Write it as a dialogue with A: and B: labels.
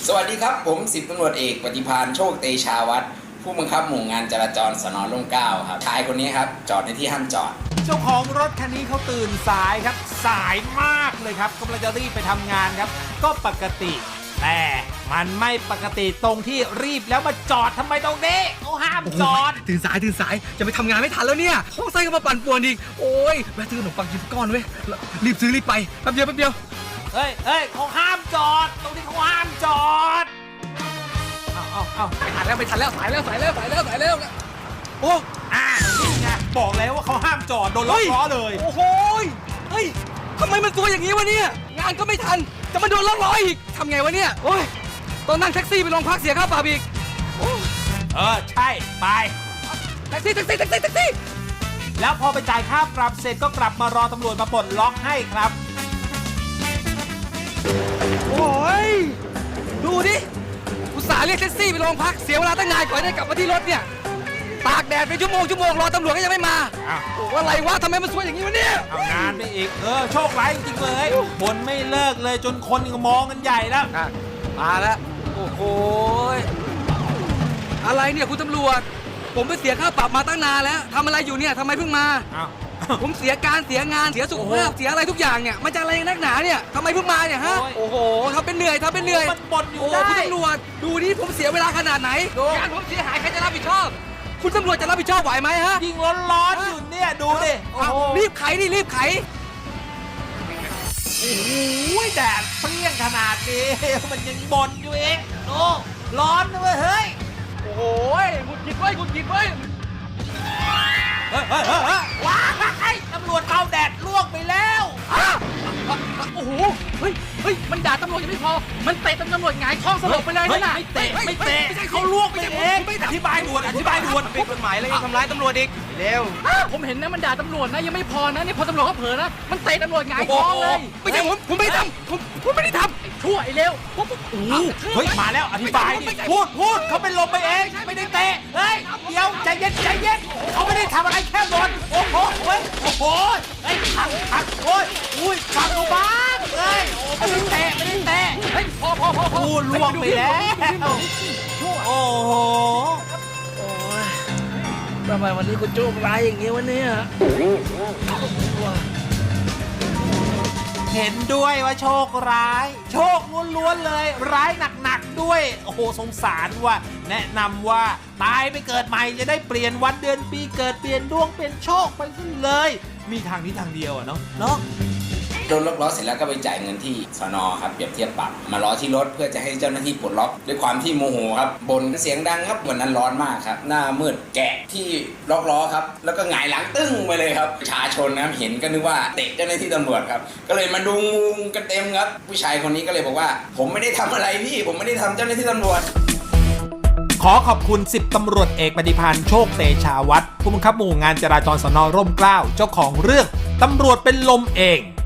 A: สวัสดีครับผม10ตำรวจเอกปฏิภาณโชคเตชาวัฒน์ผู้บังคับหมู่งานจราจรสน.ร่มเกล้าครับชายคนนี้ครับจอดในที่ห้ามจอด
B: เจ้าของรถคันนี้เขาตื่นสายครับสายมากเลยครับกำลังจะรีบไปทำงานครับก็ปกติแต่มันไม่ปกติตรงที่รีบแล้วมาจอดทำไมตรงนี้เขาห้ามจอด
C: ตื่นสายจะไปทำงานไม่ทันแล้วเนี่ยท้องไส้ก็มาปั่นป่วนอีกโอ้ยแวะซื้อขนมปังกินก้อนเว้ยรีบซื้อรีบไปแป๊บเดียว
B: เฮ้ยเขาห้ามจอดตรงนี้เขาห้ามจอดเอา
C: ไม่ทันแล้วสายแล้วโอ้
B: นี่ไงบอกแล้วว่าเขาห้ามจอดโดนล็อกล้อเลย
C: โอ้โหเฮ้ยทำไมมันตัวอย่างนี้วะเนี่ยงานก็ไม่ทันจะมาโดนล็อกล้ออีกทำไงวะเนี่ยโอ้ยต้องนั่งแท็กซี่ไปโรงพักเสียค่าปรับอีก
B: ใช่ไป
C: แท็กซี่
B: แล้วพอไปจ่ายค่าปรับเสร็จก็กลับมารอตำรวจมาปลดล็อกให้ครับ
C: โอ้ยดูดิอุตส่าห์เรียกแท็กซี่ไปโรงพักเสียเวลาตั้งนานกว่าได้กลับมาที่รถเนี่ยตากแดดเป็นชั่วโมงรอตำรวจก็ยังไม่มาโอ้อะไรวะทำไมมันสวยอย่างนี้วะเนี่ย
B: เอางานไปอีกโชคร้ายจริงๆเลยคนไม่เลิกเลยจนคนมองกันใหญ่แล้ว
C: มาแล้วโอ้โหอะไรเนี่ยคุณตำรวจผมไปเสียค่าปรับมาตั้งนานแล้วทำอะไรอยู่เนี่ยทำไมเพิ่งมาผมเสียการเสียงานเสียสุขภาพเสียอะไรทุกอย่างเนี่ยมันจะอะไรนักหนาเนี่ยทำไมเพิ่งมาเนี่ยฮะโอ้โหทำเป็นเหนื่อย
B: มันบ่นอยู่ได้
C: คุณตำรวจดูนี่ผมเสียเวลาขนาดไหนงานผมเสียหายใครจะรับผิดชอบคุณตำรวจจะรับผิดชอบไหวไหมฮะ
B: ยิงร้อนอยู่เนี่ยดูดิ
C: รีบไข
B: โอ้ยแดดเปรี้ยงขนาดนี้มันยังบ่นอยู่เองโอ้ร้อนด้วยเฮ้ย
C: โอ้โหหงุดหงิดเว้ย
B: ว้ายตำรวจเอาแดดลวกไปแล้ว
C: โอ้โหเฮ้ยมันด่าตำรวจยังไม่พอมันเตะตำรวจหงายท้องสลบไปเลยนะ
B: ไม่เตะเขาลวกไปเองอธิบายด่วน
C: ผิดกฎหมายแล้วยังทำร้ายตำรวจอีกเร็วผมเห็นนะมันด่าตำรวจนะยังไม่พอนะนี่พอตำรวจเขาเผลอนะมันเตะตำรวจหงายท้องเลยไม่ใช่ผมไม่ได้ทำผมไม่ได้ทำชั่วไอ้เร็ว
B: เฮ้ยมาแล้วอธิบายดิพูดเขาเป็นลมไปเองไม่ได้เตะเฮ้ยเดี๋ยวใจเย็นเขาไม่ได้ทำอะไรแค่บ่นโอ้โหเฮ้ยขัดโอ้ยฟังดูบ้างเฮ้ยไม่ได้เตะ
C: เฮ้ยพอ
B: พูดล่วงไปแล้วโอ้โห
C: ทำไมวันนี้คุณโชคร้ายอย่างนี้วะเนี่ย
B: เห็นด้วยว่าโชคร้ายโชคล้วนๆเลยร้ายหนักๆด้วยโอ้โหสงสารว่ะแนะนำว่าตายไปเกิดใหม่จะได้เปลี่ยนวันเดือนปีเกิดเปลี่ยนดวงเป็นโชคไปซะเลยมีทางนี้ทางเดียวเนาะ
A: โดนล็อกล้อเสร็จแล้วก็ไปจ่ายเงินที่สน.ครับเปรียบเทียบปรับมาล้อที่รถเพื่อจะให้เจ้าหน้าที่ปลดล็อกด้วยความที่โมโหครับบ่นเสียงดังครับวันนั้นร้อนมากครับหน้ามืดแกะที่ล็อกล้อครับแล้วก็หงายหลังตึ้งไปเลยครับประชาชนนะเห็นก็นึกว่าเตะเจ้าหน้าที่ตำรวจครับก็เลยมาดูงูกันเต็มครับผู้ชายคนนี้ก็เลยบอกว่าผมไม่ได้ทำอะไรพี่ผมไม่ได้ทำเจ้าหน้าที่ตำรวจ
B: ขอขอบคุณ10ตำรวจเอกปฏิภาณโชคเตชาวัฒน์ผู้บังคับหมู่งานจราจรสน.ร่มเกล้าเจ้าของเรื่องตำรวจเป็นลมเอง